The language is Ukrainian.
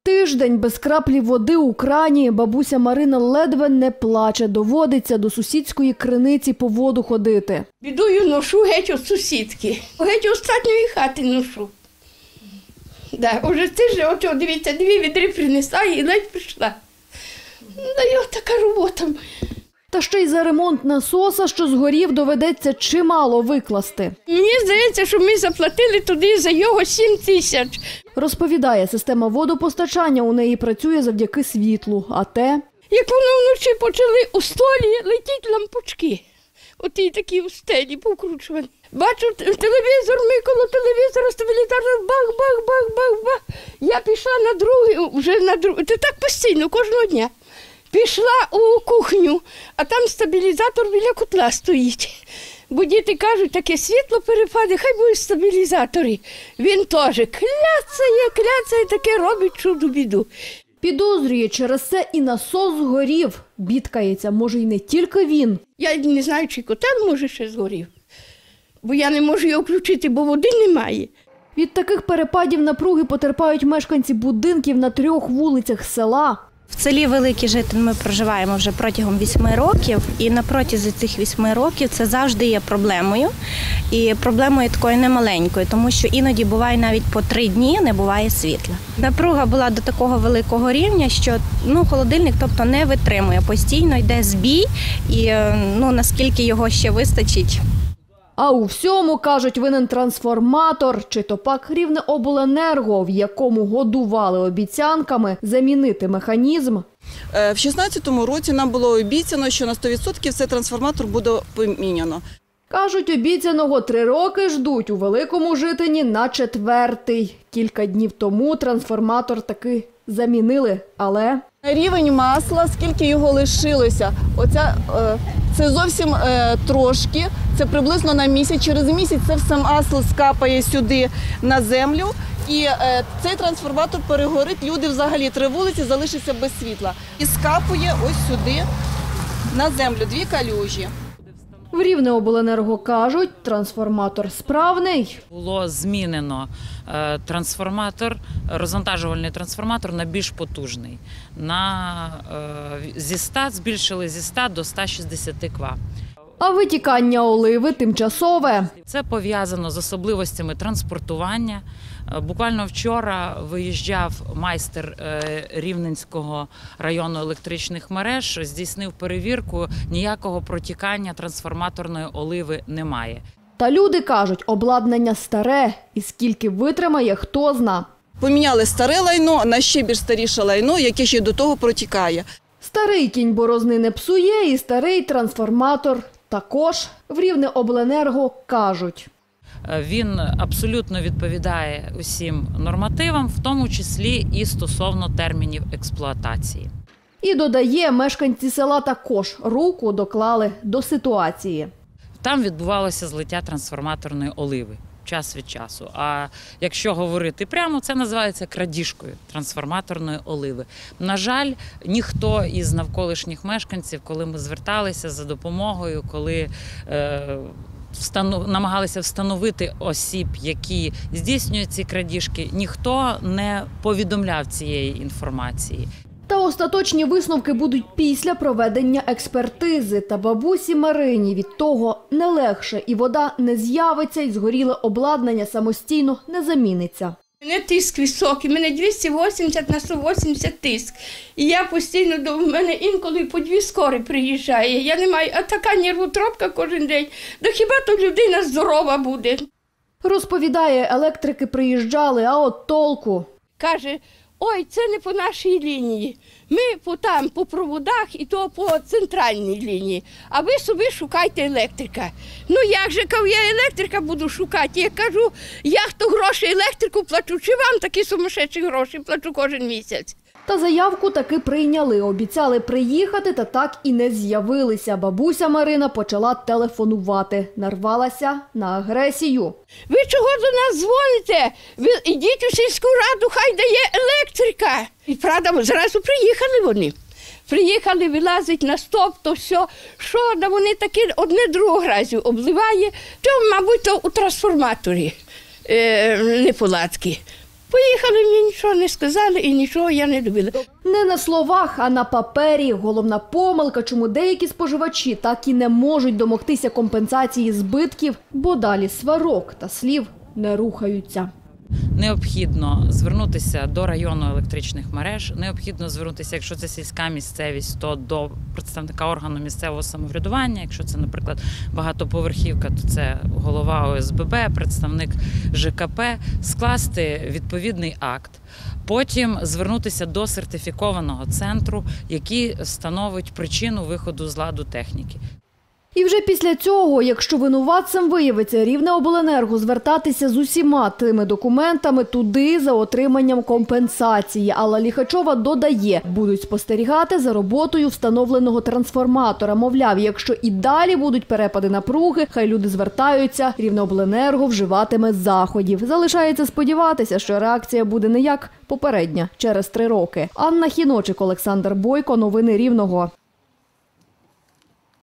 Тиждень без краплі води у крані. Бабуся Марина ледве не плаче. Доводиться до сусідської криниці по воду ходити. Бідою ношу геть від сусідки. Геть останньої хати ношу. Уже тиждень, от дивіться, 2 відри принесла і ледь пішла. І от така робота. Та ще й за ремонт насоса, що згорів, доведеться чимало викласти. Мені здається, що ми заплатили туди за його 7 тисяч. Розповідає, система водопостачання у неї працює завдяки світлу, а те… Як воно вночі почали у столі летіти лампочки. Оті такі у стелі повкручувані. Бачу телевізор, ми коло телевізора стабілізатор, бах-бах-бах-бах-бах. Я пішла на другий, це так постійно, кожного дня. Пішла у кухню, а там стабілізатор біля котла стоїть. Бо діти кажуть, таке світло перепаде, хай будуть стабілізатори. Він теж кляцає, таке робить чуду-біду. Підозрює, через це і насос згорів. Бідкається, може й не тільки він. Я не знаю, чи котел може ще згорів. Бо я не можу його включити, бо води немає. Від таких перепадів напруги потерпають мешканці будинків на 3 вулицях села. В селі Великий Житин ми проживаємо вже протягом 8 років, і на протязі цих 8 років це завжди є проблемою. І проблемою такою немаленькою, тому що іноді буває навіть по 3 дні не буває світла. Напруга була до такого великого рівня, що холодильник не витримує, постійно йде збій і наскільки його ще вистачить. А у всьому, кажуть, винен трансформатор, чи то пак Рівнеобленерго, в якому годували обіцянками замінити механізм. В 2016 році нам було обіцяно, що на 100% цей трансформатор буде поміняно. Кажуть, обіцяного 3 роки ждуть, у Великому Житині на 4-й. Кілька днів тому трансформатор таки замінили, але… Рівень масла, скільки його лишилося, це зовсім трошки, це приблизно на місяць. Через місяць це все масло скапає сюди на землю і цей трансформатор перегорить, люди взагалі 3 вулиці залишаться без світла. І скапує ось сюди на землю 2 калюжі. В Рівнеобленерго кажуть, трансформатор справний. Було змінено розвантажувальний трансформатор на більш потужний. Збільшили зі 100 до 160 кВт. А витікання оливи тимчасове. Це пов'язано з особливостями транспортування. Буквально вчора виїжджав майстер Рівненського району електричних мереж, здійснив перевірку, ніякого протікання трансформаторної оливи немає. Та люди кажуть, обладнання старе, і скільки витримає, хто зна. Поміняли старе лайно на ще більш старіше лайно, яке ще до того протікає. Старий кінь борозни не псує, і старий трансформатор також. В Рівнеобленерго кажуть. Він абсолютно відповідає усім нормативам, в тому числі і стосовно термінів експлуатації. І додає, мешканці села також руку доклали до ситуації. Там відбувалося злиття трансформаторної оливи час від часу. А якщо говорити прямо, це називається крадіжкою трансформаторної оливи. На жаль, ніхто із навколишніх мешканців, коли ми зверталися за допомогою, коли намагалися встановити осіб, які здійснюють ці крадіжки, ніхто не повідомляв цієї інформації. Та остаточні висновки будуть після проведення експертизи. Та бабусі Марині від того не легше, і вода не з'явиться, і згоріле обладнання самостійно не заміниться. У мене тиск високий, у мене 280 на 180 тиск. І я постійно, до мене інколи по 2 скори приїжджає. Я не маю, а така нервотропка кожен день. Да хіба то людина здорова буде? Розповідає, електрики приїжджали, а от толку. Каже, ой, це не по нашій лінії. Ми по проводах і то по центральній лінії. А ви собі шукайте електрика. Ну як же, я електрика буду шукати? Я кажу, я хто гроші електрику плачу, чи вам такі сумасшедші гроші плачу кожен місяць? Та заявку таки прийняли. Обіцяли приїхати, та так і не з'явилися. Бабуся Марина почала телефонувати. Нарвалася на агресію. Ви чого до нас дзвоните? Ви ідіть у сільську раду, хай дає електрика. І правда, зразу приїхали вони. Приїхали, вилазить на стоп, то все. Що, да вони такі одне другого разу обливає. То, мабуть, то у трансформаторі неполадки. Поїхали, мені нічого не сказали і нічого я не добила. Не на словах, а на папері. Головна помилка, чому деякі споживачі так і не можуть домогтися компенсації збитків, бо далі сварок та слів не рухаються. Необхідно звернутися до району електричних мереж, необхідно звернутися, якщо це сільська місцевість, то до представника органу місцевого самоврядування, якщо це, наприклад, багатоповерхівка, то це голова ОСББ, представник ЖКП, скласти відповідний акт. Потім звернутися до сертифікованого центру, який встановить причину виходу з ладу техніки. І вже після цього, якщо винуватцем виявиться Рівнеобленерго, звертатися з усіма тими документами туди за отриманням компенсації. Алла Ліхачова додає, будуть спостерігати за роботою встановленого трансформатора. Мовляв, якщо і далі будуть перепади напруги, хай люди звертаються, Рівнеобленерго вживатиме заходів. Залишається сподіватися, що реакція буде не як попередня, через 3 роки. Анна Хіночик, Олександр Бойко. Новини Рівного.